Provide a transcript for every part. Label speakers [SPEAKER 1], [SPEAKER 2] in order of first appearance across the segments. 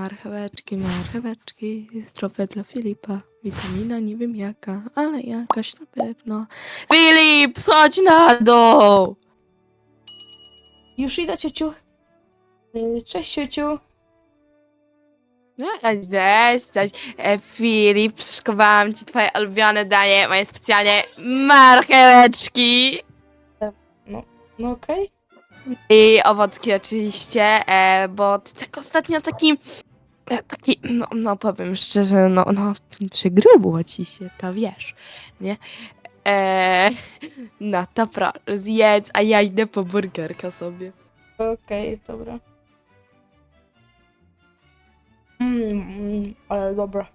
[SPEAKER 1] marcheweczki, marcheweczki, zdrowe dla Filipa. Witamina nie wiem jaka, ale jakaś na pewno. Filip, schodź na dół!
[SPEAKER 2] Już idę, ciociu. Cześć, ciociu.
[SPEAKER 1] Cześć. Filip, przyszykowałam ci twoje ulubione danie, moje specjalnie marcheweczki.
[SPEAKER 2] No okej.
[SPEAKER 1] I owocki oczywiście, bo ty tak ostatnio taki, powiem szczerze, przygrubo ci się, to wiesz, nie? No to proszę, zjedz, a ja idę po burgerka sobie.
[SPEAKER 2] Okej, dobra. Ale dobra.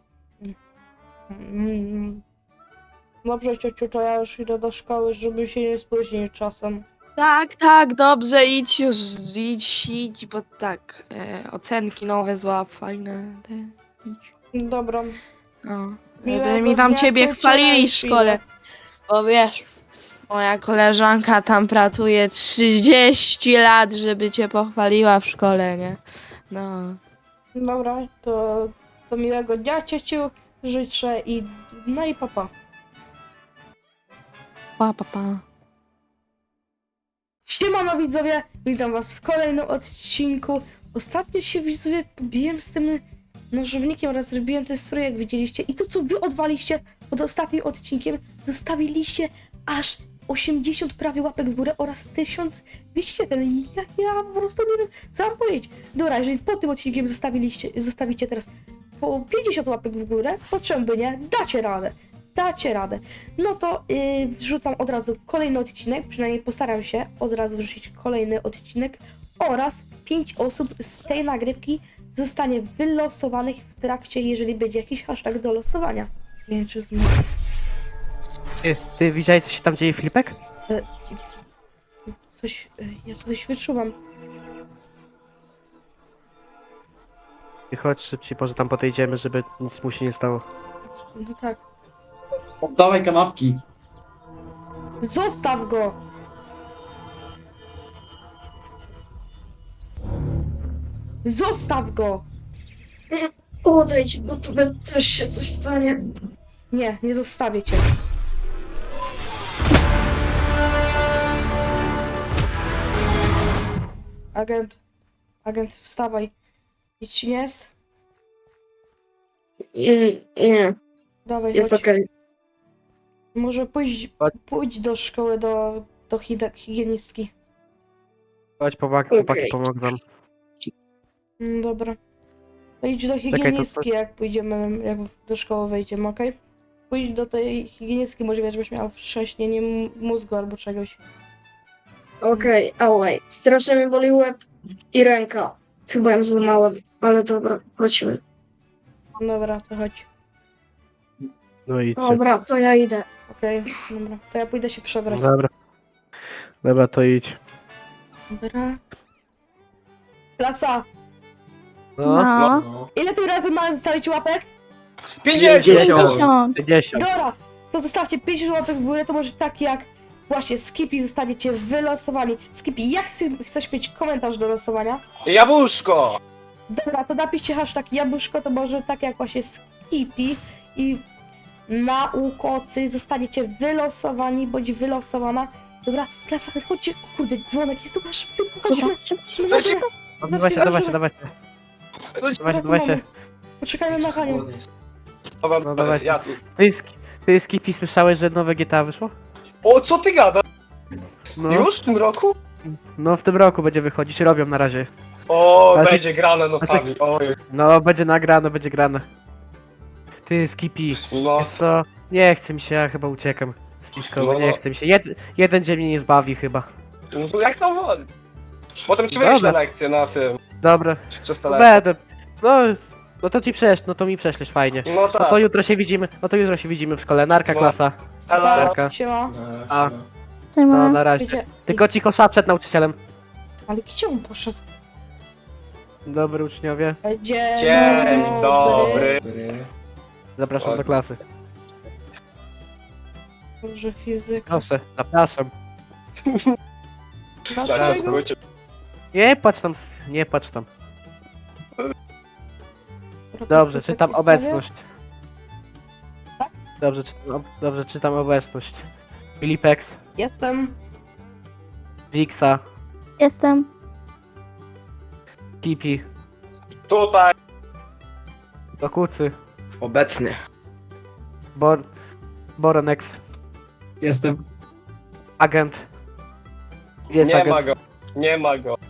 [SPEAKER 2] Dobrze, ciociu, to ja już idę do szkoły, żeby się nie spóźnić czasem.
[SPEAKER 1] Tak, dobrze, idź już, idź, bo tak, ocenki nowe złap, fajne, idź.
[SPEAKER 2] Dobra.
[SPEAKER 1] No,
[SPEAKER 2] Miłego
[SPEAKER 1] żeby mi tam
[SPEAKER 2] dnia,
[SPEAKER 1] ciebie
[SPEAKER 2] ciociu,
[SPEAKER 1] chwalili
[SPEAKER 2] na
[SPEAKER 1] w szkole.
[SPEAKER 2] chwilę.
[SPEAKER 1] Bo wiesz, moja koleżanka tam pracuje 30 lat, żeby cię pochwaliła w szkole, nie? No.
[SPEAKER 2] Dobra, to miłego dnia, ciociu. Życzę i... No i papa.
[SPEAKER 1] Pa.
[SPEAKER 2] Siemano widzowie, witam was w kolejnym odcinku. Ostatnio się widzowie pobiłem z tym nożownikiem oraz zrobiłem ten strój, jak widzieliście. I to co wy odwaliście pod ostatnim odcinkiem, zostawiliście aż 80 prawie łapek w górę oraz 1201. Ja po prostu nie wiem, co mam powiedzieć. Dobra, jeżeli po tym odcinkiem zostawicie teraz po 50 łapek w górę, po czym by nie, dacie radę. No to wrzucam od razu kolejny odcinek, przynajmniej postaram się od razu wrzucić kolejny odcinek oraz 5 osób z tej nagrywki zostanie wylosowanych w trakcie, jeżeli będzie jakiś hashtag do losowania. Nie wiem, czy
[SPEAKER 3] Ty widziałeś, co się tam dzieje, Filipek?
[SPEAKER 2] ja coś wyczuwam.
[SPEAKER 3] Ty chodź szybciej, może tam podejdziemy, żeby nic mu się nie stało.
[SPEAKER 2] No tak.
[SPEAKER 4] Oddawaj kanapki.
[SPEAKER 2] Zostaw go! Zostaw go!
[SPEAKER 5] Odejdź, bo tobie też się coś stanie.
[SPEAKER 2] Nie zostawię cię. Agent, wstawaj. Nic ci nie jest?
[SPEAKER 5] Nie,
[SPEAKER 2] Dawaj,
[SPEAKER 5] jest
[SPEAKER 2] chodź.
[SPEAKER 5] okej.
[SPEAKER 2] Może
[SPEAKER 3] Chodź.
[SPEAKER 2] pójdź do szkoły, do higienistki.
[SPEAKER 3] Chodź, chłopaki,
[SPEAKER 5] Okej.
[SPEAKER 3] pomogę wam.
[SPEAKER 2] Dobra. To idź do
[SPEAKER 3] to-
[SPEAKER 2] higienistki, jak pójdziemy, jak do szkoły wejdziemy, okej? Pójdź do tej higienistki, może żebyś miał wstrząśnienie mózgu albo czegoś.
[SPEAKER 5] Okej, ałaj. Strasznie mi boli łeb i ręka. Chyba ją złamałem, ale dobra, chodźmy.
[SPEAKER 2] Dobra, to chodź.
[SPEAKER 3] No i idźcie.
[SPEAKER 5] Dobra, to ja idę.
[SPEAKER 2] Okej, dobra. To ja pójdę się przebrać.
[SPEAKER 3] Dobra, to idź.
[SPEAKER 2] Dobra. Klasa!
[SPEAKER 3] No.
[SPEAKER 2] Ile tym razem mamy zostawić łapek?
[SPEAKER 4] 50.
[SPEAKER 3] 50.
[SPEAKER 2] Dobra! To zostawcie 50 łapek w górę, to może tak jak właśnie Skippy zostaniecie wylosowani. Skippy, jak chcesz mieć komentarz do losowania?
[SPEAKER 6] Jabłuszko!
[SPEAKER 2] Dobra, to napiszcie hashtag jabłuszko, to może tak jak właśnie Skippy i naukocy zostaniecie wylosowani, bądź wylosowana. Dobra, klasa, chodźcie, kurde, dzwonek jest tu nasz, chodźmy.
[SPEAKER 3] No, dawajcie.
[SPEAKER 2] Poczekajmy na Hanię.
[SPEAKER 6] Dobra,
[SPEAKER 3] No dawajcie.
[SPEAKER 6] ja tu.
[SPEAKER 3] Ty Skippy, słyszałeś, że nowe GTA wyszło?
[SPEAKER 6] O, co ty gadasz?
[SPEAKER 3] No.
[SPEAKER 6] Już w tym roku?
[SPEAKER 3] No w tym roku będzie wychodzić, robią na razie.
[SPEAKER 6] O,
[SPEAKER 3] Ale-
[SPEAKER 6] będzie grane nocami. Oj,
[SPEAKER 3] No, będzie grane. Ty Skippy,
[SPEAKER 6] no.
[SPEAKER 3] wiesz co? Nie chce mi się, ja chyba uciekam z tej szkoły,
[SPEAKER 6] No.
[SPEAKER 3] nie chce mi się. Jeden dzień mnie nie zbawi chyba.
[SPEAKER 6] No jak tam woli? Potem ci
[SPEAKER 3] Dobra.
[SPEAKER 6] wyjść na lekcję na tym.
[SPEAKER 3] Dobra,
[SPEAKER 6] Przez
[SPEAKER 3] to
[SPEAKER 6] telefon.
[SPEAKER 3] będę. No to to mi prześlesz fajnie.
[SPEAKER 6] No
[SPEAKER 3] No
[SPEAKER 6] tak.
[SPEAKER 3] to jutro się widzimy w szkole. Narka
[SPEAKER 6] No.
[SPEAKER 3] klasa.
[SPEAKER 6] Ela.
[SPEAKER 3] Narka.
[SPEAKER 2] Siema.
[SPEAKER 3] A. No na razie.
[SPEAKER 2] Wiecie,
[SPEAKER 3] Tylko cicho szap przed nauczycielem.
[SPEAKER 2] ale gdzie on poszedł?
[SPEAKER 3] Dobry uczniowie.
[SPEAKER 6] Dzień dobry.
[SPEAKER 3] Zapraszam do klasy.
[SPEAKER 2] Dobrze, fizyka.
[SPEAKER 3] Proszę, zapraszam.
[SPEAKER 2] Dlaczego?
[SPEAKER 3] Nie patrz tam.
[SPEAKER 2] Dobra,
[SPEAKER 3] Dobrze,
[SPEAKER 2] podpis
[SPEAKER 3] czytam
[SPEAKER 2] jakiś stawię?
[SPEAKER 3] obecność. Dobrze, czytam obecność. Filipex,
[SPEAKER 2] Jestem.
[SPEAKER 3] Wixa,
[SPEAKER 7] Jestem.
[SPEAKER 3] Tipi,
[SPEAKER 6] Tutaj.
[SPEAKER 3] Dokucy,
[SPEAKER 8] Obecny.
[SPEAKER 3] Boronex,
[SPEAKER 4] Jestem.
[SPEAKER 3] agent. Gdzie jest
[SPEAKER 6] Nie
[SPEAKER 3] agent?
[SPEAKER 6] ma go. Nie ma go.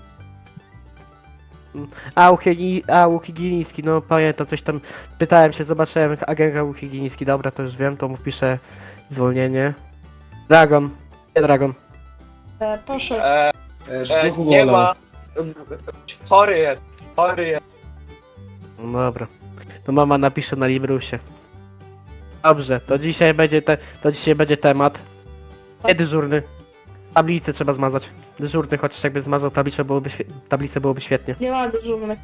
[SPEAKER 3] Łuk higieniński, no pamiętam, coś tam pytałem się, zobaczyłem agenta łuk higieniński, dobra, to już wiem, to mu wpiszę zwolnienie. Dragon, nie Dragon.
[SPEAKER 2] Proszę.
[SPEAKER 8] Brzuchu
[SPEAKER 6] Nie
[SPEAKER 8] bolał.
[SPEAKER 6] ma. Chory jest. Chory jest.
[SPEAKER 3] No dobra, to mama napisze na Librusie. Dobrze, to dzisiaj będzie temat. Nie dyżurny. Tablicę trzeba zmazać. Dyżurny, chociaż jakby zmazał tablicę byłoby świetnie.
[SPEAKER 2] Nie ma dyżurnych.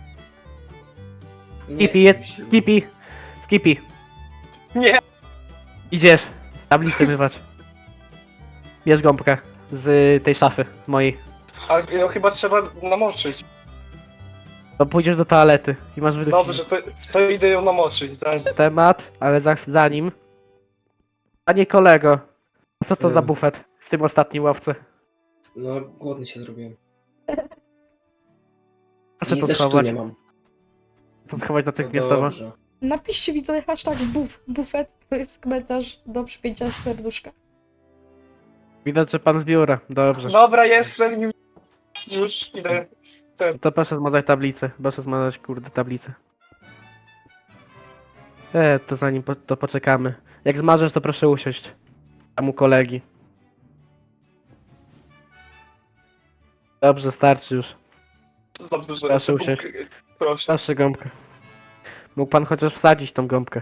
[SPEAKER 3] Skippy.
[SPEAKER 6] Nie.
[SPEAKER 3] Idziesz. Tablicę mywać. Bierz gąbkę z tej szafy, z mojej.
[SPEAKER 6] A ją chyba trzeba namoczyć.
[SPEAKER 3] To pójdziesz do toalety i masz wydrukić
[SPEAKER 6] Dobrze, to idę ją namoczyć. Teraz.
[SPEAKER 3] temat, ale zanim... Panie kolego, co to za
[SPEAKER 8] Hmm.
[SPEAKER 3] bufet w tym ostatnim ławce?
[SPEAKER 8] No, głodny się zrobiłem.
[SPEAKER 3] Proszę
[SPEAKER 8] I
[SPEAKER 3] to
[SPEAKER 8] ze
[SPEAKER 3] schować.
[SPEAKER 8] nie mam.
[SPEAKER 3] To schować
[SPEAKER 8] No
[SPEAKER 3] natychmiastowo.
[SPEAKER 8] dobrze.
[SPEAKER 2] Napiszcie widzowie hashtag bufet, to jest komentarz do przypięcia serduszka.
[SPEAKER 3] Widać, że pan z biura. Dobrze.
[SPEAKER 6] Dobra, jestem już. Już idę.
[SPEAKER 3] To proszę zmazać tablicę. Proszę zmazać, kurde, tablicę. To zanim to poczekamy. Jak zmarzesz, to proszę usiąść. Tam u kolegi. Dobrze, starczy już.
[SPEAKER 6] Dobrze.
[SPEAKER 3] Proszę usiąść.
[SPEAKER 6] Proszę.
[SPEAKER 3] Proszę gąbkę. Mógł pan chociaż wsadzić tą gąbkę.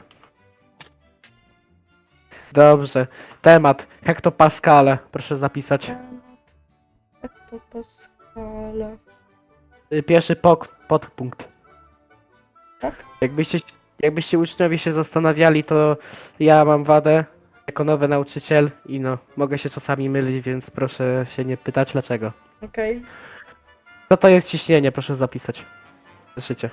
[SPEAKER 3] Dobrze. Temat. Hektopaskale. Proszę zapisać.
[SPEAKER 2] Hektopaskale.
[SPEAKER 3] Pierwszy podpunkt.
[SPEAKER 2] Tak?
[SPEAKER 3] Jakbyście uczniowie się zastanawiali, to ja mam wadę jako nowy nauczyciel i no, mogę się czasami mylić, więc proszę się nie pytać dlaczego.
[SPEAKER 2] Okej.
[SPEAKER 3] Co to jest ciśnienie? Proszę zapisać. W zeszycie.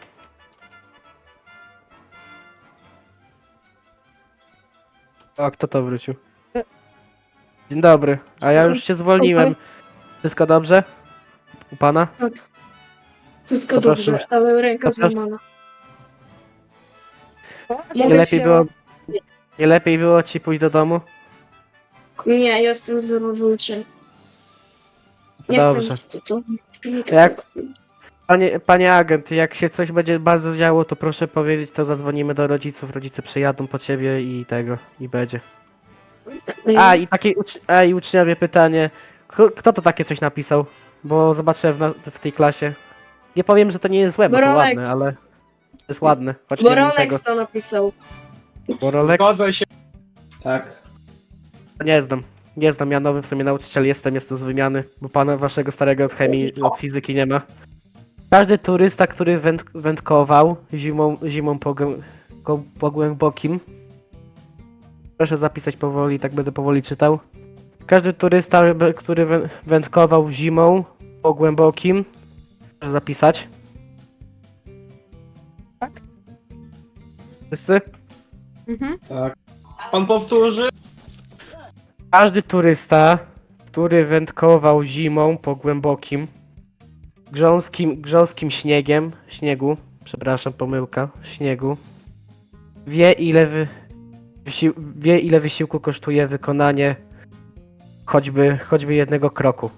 [SPEAKER 3] O, kto to wrócił? Dzień dobry, a ja już cię zwolniłem. Wszystko dobrze? U pana?
[SPEAKER 5] Wszystko
[SPEAKER 3] To proszę.
[SPEAKER 5] dobrze, ale ręka
[SPEAKER 3] To proszę.
[SPEAKER 5] złamana.
[SPEAKER 3] Nie lepiej było ci pójść do domu?
[SPEAKER 5] Nie, ja jestem zerowy uczeń. Nie
[SPEAKER 3] Dobrze.
[SPEAKER 5] chcę to.
[SPEAKER 3] Jak? Panie agent, jak się coś będzie bardzo działo, to proszę powiedzieć, to zadzwonimy do rodziców, rodzice przyjadą po ciebie i i będzie. I uczniowie pytanie, kto to takie coś napisał? Bo zobaczyłem w tej klasie. Nie powiem, że to nie jest złe, bo to
[SPEAKER 5] Borolex.
[SPEAKER 3] ładne, ale to jest ładne. Choć nie wiem tego.
[SPEAKER 5] Borolex to napisał.
[SPEAKER 3] Borolex?
[SPEAKER 6] Zgodzę się.
[SPEAKER 8] Tak.
[SPEAKER 3] Nie znam, ja nowy w sumie nauczyciel jestem z wymiany, bo pana waszego starego od chemii, od fizyki nie ma. Każdy turysta, który wędkował zimą po głębokim, proszę zapisać powoli, tak będę powoli czytał. Każdy turysta, który wędkował zimą po głębokim, proszę zapisać.
[SPEAKER 2] Tak?
[SPEAKER 3] Wszyscy?
[SPEAKER 2] Mhm.
[SPEAKER 8] Tak.
[SPEAKER 6] Pan powtórzy?
[SPEAKER 3] Każdy turysta, który wędkował zimą po głębokim, grząskim śniegu, przepraszam, pomyłka, śniegu, wie ile wysiłku kosztuje wykonanie choćby jednego kroku.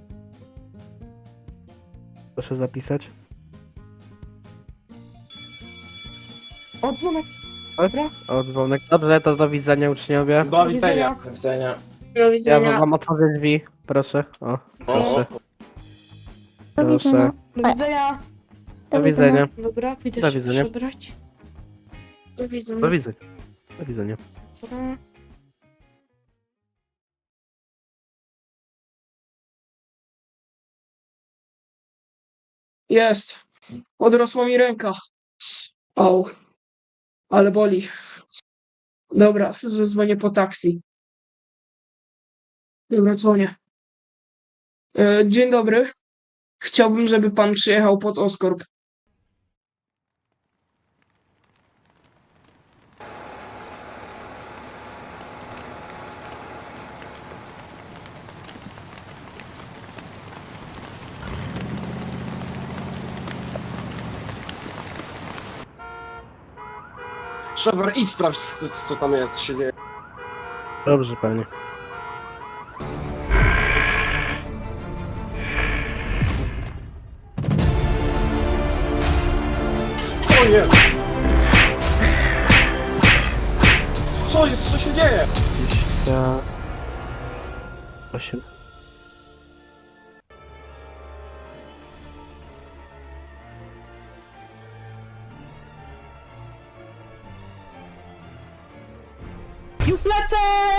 [SPEAKER 3] Proszę zapisać.
[SPEAKER 2] O, dzwonek. Dobra.
[SPEAKER 3] O, dzwonek. Dobrze, to do widzenia uczniowie.
[SPEAKER 6] Do widzenia.
[SPEAKER 8] Do widzenia.
[SPEAKER 5] Do
[SPEAKER 3] Ja
[SPEAKER 5] widzenia.
[SPEAKER 3] wam otworzę drzwi, proszę. O, proszę.
[SPEAKER 7] Do widzenia.
[SPEAKER 3] Proszę.
[SPEAKER 2] Do widzenia.
[SPEAKER 3] Do widzenia.
[SPEAKER 2] Dobra, pójdę
[SPEAKER 3] Do
[SPEAKER 2] się
[SPEAKER 3] widzenia.
[SPEAKER 2] przebrać.
[SPEAKER 5] Do widzenia.
[SPEAKER 3] Do widzenia. Do widzenia.
[SPEAKER 2] Dobra.
[SPEAKER 9] Jest. Odrosła mi ręka. Au. Ale boli. Dobra, zadzwonię po taksi. Dobra, dzwonię. Dzień dobry. Chciałbym, żeby pan przyjechał pod Oskorp.
[SPEAKER 6] Trevor, idź sprawdź, co tam jest, się dzieje.
[SPEAKER 3] Dobrze, panie.
[SPEAKER 6] O nie! Co jest? Co się dzieje?
[SPEAKER 3] 28.
[SPEAKER 2] I w plecy!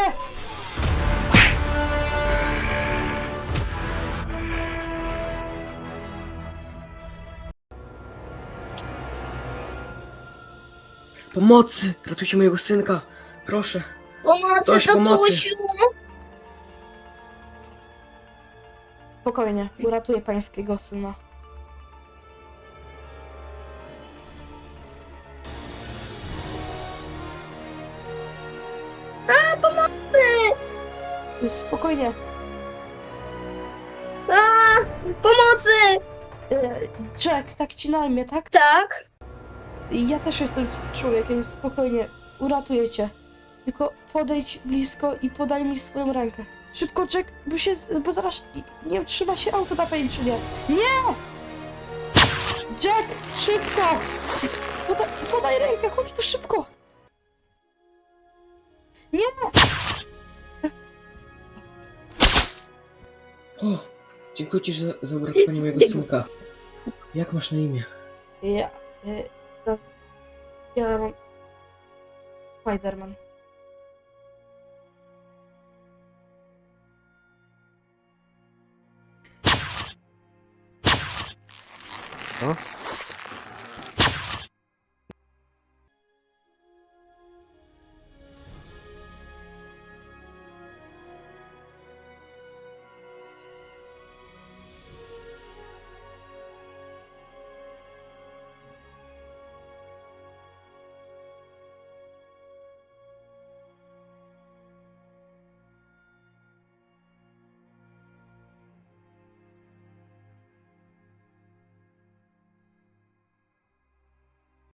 [SPEAKER 8] Pomocy! Ratujcie mojego synka! Proszę.
[SPEAKER 5] Pomocy,
[SPEAKER 8] Ktoś pomocy.
[SPEAKER 5] tatusiu!
[SPEAKER 2] Spokojnie, uratuję pańskiego syna. Spokojnie.
[SPEAKER 5] A, pomocy!
[SPEAKER 2] Jack, tak ci na imię, tak?
[SPEAKER 5] Tak?
[SPEAKER 2] Ja też jestem człowiekiem, spokojnie, uratuję cię. Tylko podejdź blisko i podaj mi swoją rękę. Szybko, Jack, bo zaraz nie trzyma się auto na pęczynie. Nie! Jack, szybko! Podaj rękę, chodź tu szybko! Nie!
[SPEAKER 8] O! Dziękuję ci za uratowanie mojego synka. Jak masz na imię?
[SPEAKER 2] Ja mam... Spiderman.
[SPEAKER 3] Co?